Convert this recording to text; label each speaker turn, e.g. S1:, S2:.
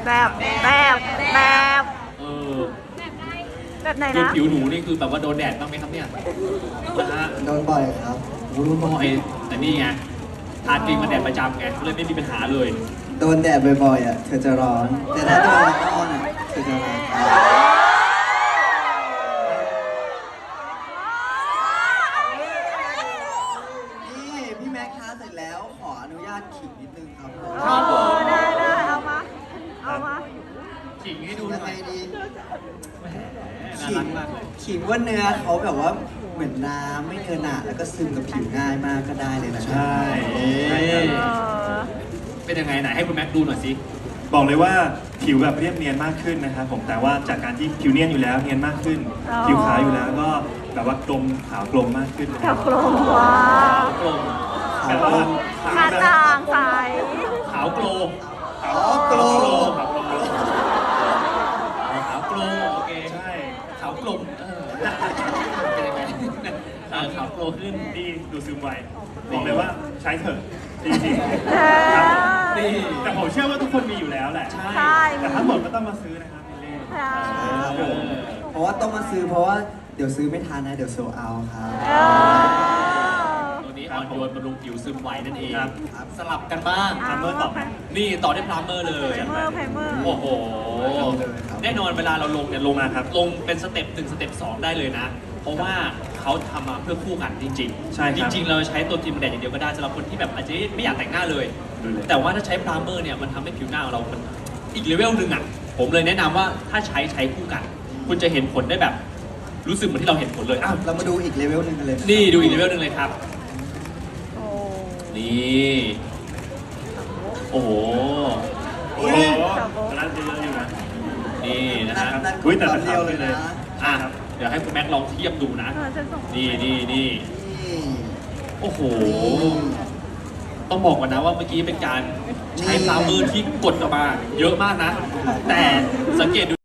S1: แบบแบบแบบ
S2: เออ
S1: แบบไหน
S2: คือ
S1: นะ
S2: ผิวหนูนี่คือแบบว่าโดนแดดบ้างไหมครับเนี่ยนะฮะ
S3: โดนบ่อยครับ
S2: โอ้โหบ่อยแต่นี่ไงทาครีมกันแดดประจำไงเลยไม่มีปัญหาเลย
S3: โดนแดดบ่อยๆอ่ะเธอจะร้อน แต่ถ้าโดนละออนอ่ะเธอจะร้อนนี่พี่แม็กซ์คะเสร็จแล้วขออนุญาตขิงนิดนึงครับผม
S2: ครับผม
S1: ได้เอามา เอามา
S2: ขิงให้ดูห
S3: ยั
S2: น่
S3: ง
S2: อ
S3: ไง
S2: ย
S3: ดี
S2: แหมน่า
S3: ขิ
S2: รั
S3: ง
S2: กมากเลย
S3: ขิงว่าเนื้อเขาแบบว่าเหมือนน้ำไม่เนื้อหนาแล้วก็ซึมกับผิวง่ายมากก็ได้เลยนะ
S4: ใช่
S2: เป็นยังไงไหนให้คุณแม็กดูหน่อยสิ
S4: บอกเลยว่าผิวแบบเรียบเนียนมากขึ้นนะครับผมแต่ว่าจากการที่ผิวเนียนอยู่แล้วเนียนมากขึ้น
S1: อ๋อ
S4: ผิวขาวอยู่แล้วก็แบบว่ากลมขาวกลมมากขึ้นนะค
S1: กั
S4: รั
S1: บบ กลมว้าก
S2: ลม
S4: แบบว่า
S1: คาต่างใส
S2: ขาวโกลม
S4: ขาวโกลมขาวโกลม
S2: ขาวโกลมโอเค
S4: ใช่
S2: ขาวกลมเป็นยังไงขาวโกลมขึ้น
S4: ดีดูซึมไวบอกเลยว่าใช้เถอะจริง
S1: เอ
S4: ๆครับ
S1: อ
S2: นี่
S4: แต่ผมเชื่อว่าทุกคนมีอยู่แล้วแหละ
S2: ใช่
S1: ใช่
S4: แต่ถ้าหมดก็ต้องมาซื้อนะครับพี่เล่
S1: ใช่
S2: เออ
S3: เพราะว่าต้องมาซื้อเพราะว่าเดี๋ยวซื้อไม่ทันนะเดี๋ยวโซเอาครับ
S1: เออ
S2: ตัวนี้อ่อนโยนบำรุงผิวซึมไวนั่นเอง
S4: ครับ
S2: สลับกันบ้าง
S4: ทำเมื่อต่อ
S2: นี่ต่อด้วยพรามเมอร์เลย
S1: ไพรเมอร์ไพรเมอร์
S2: โอ้โห แน่นอนเวลาเราลงเนี่ยลง
S4: มาครับ
S2: ลงเป็นสเต็ป1สเต็ป2ได้เลยนะ เพราะว่าเขาทำมาเพื่อคู่กันจริงๆ
S4: ใช่ครับ
S2: จริงๆ เราใช้ตัวครีมแดดอย่างเดียวก็ได้สำหรับคนที่แบบอาจจะไม่อยากแต่งหน้าเลย
S4: ดูเลย
S2: แต่ว่าถ้าใช้พรามเมอร์เนี่ยมันทำให้ผิวหน้าของเรามันอีกเลเวลหนึ่งอ่ะ ผมเลยแนะนำว่าถ้าใช้คู่กัน คุณจะเห็นผลได้แบบ รู้สึกเหมือนที่เราเห็นผลเลยอ้าว
S3: เรามาดูอีกเลเวลหนึ่งกันเลยะ
S2: นี่ดูอีกเลเวลหนึ่งเลยครับ
S1: โอ้
S2: นี่ โอ้โห
S4: โอ้โหตอนนั้นเยอะอยู่นะ
S2: นี่นะ
S3: นั่น
S2: ฮะ
S3: นั่น
S4: อุ๊ยแต่
S3: ตอนเดียวเลยนะ
S2: อ่ะเดี๋ยวให้คุณแม็กซ์ลองเทียบดูนะ
S1: เออฉันส่ง
S2: นี่
S3: นี่
S2: โอ้โห ต้องบอกก่อนนะว่าเมื่อกี้เป็นการใช้พรามเมอร์ที่กดออกมาเยอะมากนะ แต่สังเกตดู